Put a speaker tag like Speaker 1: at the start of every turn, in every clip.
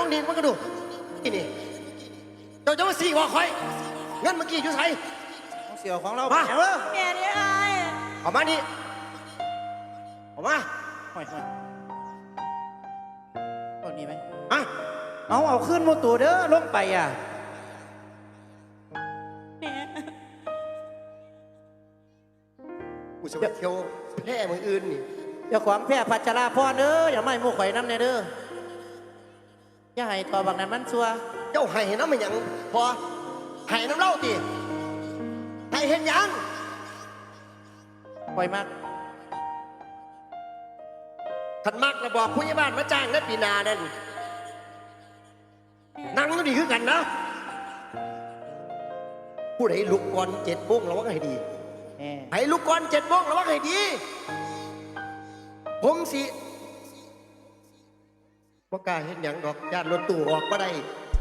Speaker 1: องนี่มันก็ดูนี่เจ้าจะมาสี่หัวคอยเงินเมื่อกี้อยู่ไส
Speaker 2: เสี่ยวของเรา
Speaker 1: มา
Speaker 3: แม่เนี่ยไอ้
Speaker 1: เอามานี่เอามา
Speaker 2: ห่อยคนนี้ไหม
Speaker 1: อะ
Speaker 2: เอาขึ้นโมตัวเด้อลงไปอ่ะ
Speaker 3: แม่
Speaker 1: กูจะไปเที่ยวแพร่เมืองอื่นนี่
Speaker 2: เจ้าของแพร่พัชราพรเด้ออย่าไม่มู่ข่อยน้ำในเด้ออย่าให้ต่อบางนั้นมันชัว
Speaker 1: เจ้าให้น้ำมันยังพอให้น้ำเล่าตีให้เห็นยัง
Speaker 2: ข่อยมาก
Speaker 1: ขันมากระบอกผู้ใหญ่บ้านมาจ้างได้ปีนานั่นนั่งก็ดีขึ้นกันนะผู้ใดลุกก่อน7 โมงระวังให้ดีให้ลุกก่อน7 โมงระวังให้ดีผมสิบ่กล้าเห็นอย่างดอกญาติรถตู้ออกมาได้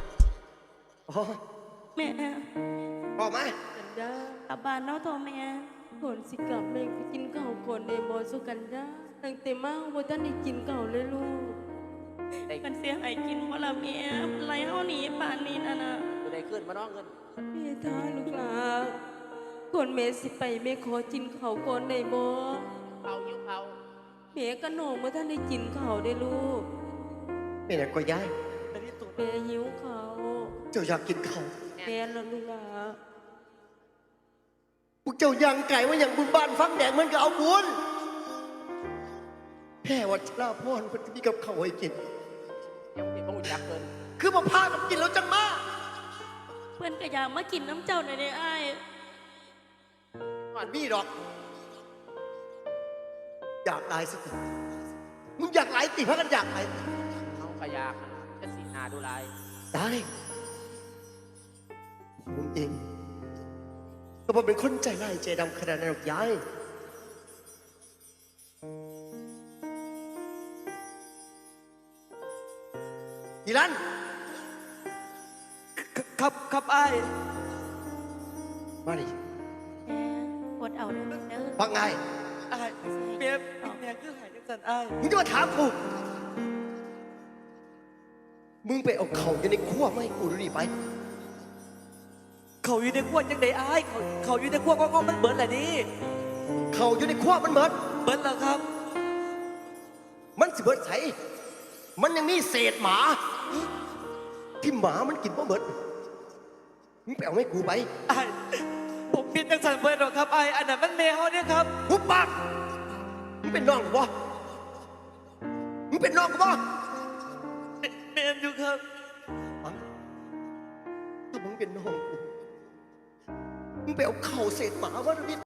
Speaker 3: แม่
Speaker 1: ออกมา
Speaker 3: กันดาอาบานเนาะทอแม่ผลสิกลับแม่ไปกินข้าวก่อนในบอสุกันดาตั้งแต่มาว่าท่านได้กินข้าวเลยลูกมันเสียหายกินว่าละแม่ไรเฮาหนีป่านนี้นะ
Speaker 2: จะได้ขึ้นมาน้องเงิน
Speaker 3: แม่ท่าลูกหลานก่อนแม่สิไปแม่ขอกินข้าวก่อนในบ่
Speaker 2: เขาหิวเขา
Speaker 3: แม่ก็โหน่งว่าท่านได้กินข้าวได้ลูก
Speaker 1: แม่อยากก็ย้าย
Speaker 3: แม่หิวข้าว
Speaker 1: เจ้าอยากกินข้าว
Speaker 3: แม่ละลูกหลาน
Speaker 1: พวกเจ้ายังไก่ว่าอย่างบุญบ้านฟังแดงมันก็เอาบุญแค่วัชราพรมันจะมีกับเขาให้กิน
Speaker 2: ยังติดต้องจักเกิน
Speaker 1: คือมาพากันกินแล้วจังมา
Speaker 3: เพื่อนก็อยากมากินน้ำเจ้าหน่อยได้ไอ้
Speaker 1: มันมีดอกอยากตายสิมึงอยากไหลติเพราะกันอยากไหล
Speaker 2: เอาขยะจะสีนาดูลาย
Speaker 1: ได้ผมเองก็ผมเป็นคนใจร้ายใจดำขนาดนั้นหรอกยายอีรัน
Speaker 2: ครับไอ้
Speaker 1: มาดิ
Speaker 3: กดเอาเด้อ
Speaker 1: ฟังไง
Speaker 2: ไอ้เมียคือหายจังสันไอ้
Speaker 1: มึงจะมาถามกูมึงไปเอาเขาอยู่ในขั้วไม่กูดูดิไป
Speaker 2: เขาอยู่ในขั้วยังไงไอ้เขาอยู่ในขั้วก็มันเบิร์ดแหละนี่
Speaker 1: เขาอยู่ในขั้วมันเบิร์ด
Speaker 2: เหรอครับ
Speaker 1: มันสิเบิร์ดใส่มันยังมีเศษหมาที่หมามันกินเพราะเบิร์ดมึงไปเอาให้กูไป
Speaker 2: ไอ้ผมปิดจังสันเบิร์ดหรอครับไอ้อันนั้นมันแมวเนี่ยครับ
Speaker 1: หุบปากมึงเป็นน้องกูบ่มึงเป็นน้องกูบ่
Speaker 2: เมนอยู่ครับ
Speaker 1: ถ้ามึงเป็นน้องกูมึงไปเอาเข่าเศษหมามาดิ